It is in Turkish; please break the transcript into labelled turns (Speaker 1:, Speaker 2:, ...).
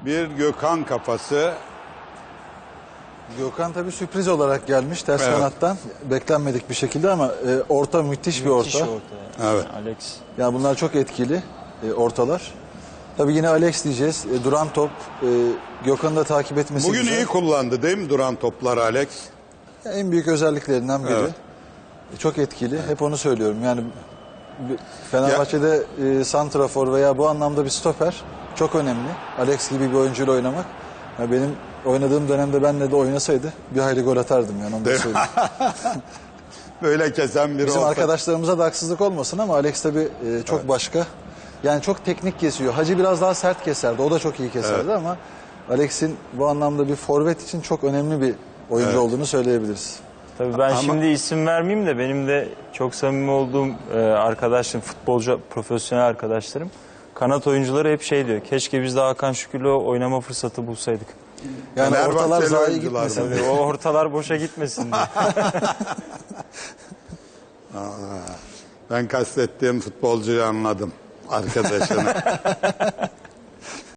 Speaker 1: Bir Gökhan kafası.
Speaker 2: Gökhan tabii sürpriz olarak gelmiş ters
Speaker 1: Evet.
Speaker 2: kanattan. Beklenmedik bir şekilde ama orta müthiş bir orta.
Speaker 1: Evet.
Speaker 3: Alex.
Speaker 2: Yani bunlar çok etkili ortalar. Tabii yine Alex diyeceğiz. Duran top. Gökhan'ı da takip etmesi
Speaker 1: Bugün
Speaker 2: güzel.
Speaker 1: iyi kullandı değil mi duran toplar Alex?
Speaker 2: En büyük özelliklerinden biri.
Speaker 1: Evet.
Speaker 2: Çok etkili. Hep onu söylüyorum. Yani Fenerbahçe'de santrafor veya bu anlamda bir stoper çok önemli. Alex gibi bir oyuncuyla oynamak. Ya benim oynadığım dönemde benle de oynasaydı bir hayli gol atardım yani onu da söyleyeyim.
Speaker 1: Böyle kesen biri
Speaker 2: Bizim
Speaker 1: olsa.
Speaker 2: arkadaşlarımıza da haksızlık olmasın ama Alex tabii çok başka. Yani çok teknik kesiyor. Hacı biraz daha sert keserdi. O da çok iyi keserdi ama Alex'in bu anlamda bir forvet için çok önemli bir oyuncu olduğunu söyleyebiliriz.
Speaker 3: Tabii ben şimdi isim vermeyeyim de benim de çok samimi olduğum arkadaşlarım, futbolcu, profesyonel arkadaşlarım, kanat oyuncuları hep şey diyor. Keşke biz de Hakan Şükür'le oynama fırsatı bulsaydık.
Speaker 2: Yani
Speaker 1: Fenerbahçeli
Speaker 2: ortalar zayi
Speaker 1: oyuncular
Speaker 2: gitmesin
Speaker 1: bunlar.
Speaker 2: diye.
Speaker 3: O ortalar boşa gitmesin diye.
Speaker 1: Ben kastettiğim futbolcuyu anladım. Arkadaşını.